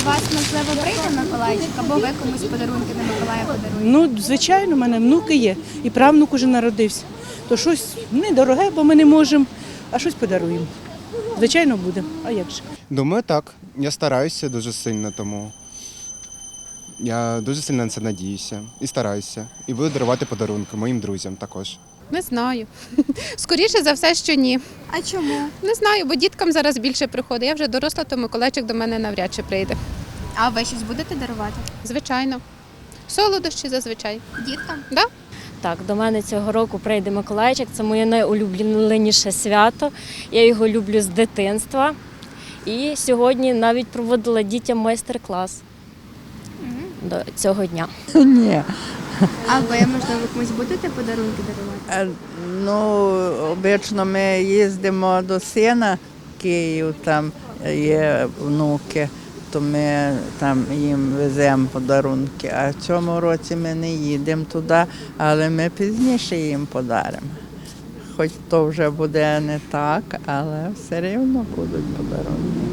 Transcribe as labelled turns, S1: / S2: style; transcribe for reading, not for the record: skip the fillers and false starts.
S1: вас, можливо, прийде Миколайчик, або ви комусь подарунки на Миколая подаруєте?
S2: Ну, звичайно, в мене внуки є, і правнук уже народився. То щось недороге, бо ми не можемо, а щось подаруємо. Звичайно, буде. А як же?
S3: Думаю, так. Я стараюся дуже сильно, тому я дуже сильно на це надіюся і стараюся. І буду дарувати подарунки моїм друзям також.
S4: Не знаю. Скоріше за все, що ні.
S1: А чому?
S4: Не знаю, бо діткам зараз більше приходить. Я вже доросла, то Миколайчик до мене навряд чи прийде.
S1: А ви щось будете дарувати?
S4: Звичайно. Солодощі зазвичай.
S1: Діткам?
S4: Да?
S5: Так, до мене цього року прийде Миколайчик. Це моє найулюбленіше свято. Я його люблю з дитинства. І сьогодні навіть проводила дітям майстер-клас до цього дня.
S6: Ні.
S1: А ви, можливо, комусь будете подарунки дарувати?
S6: Ну, обично ми їздимо до сина в Київ, там є внуки, то ми там їм веземо подарунки. А в цьому році ми не їдемо туди, але ми пізніше їм подаримо. Хоч то вже буде не так, але все рівно будуть подарунки.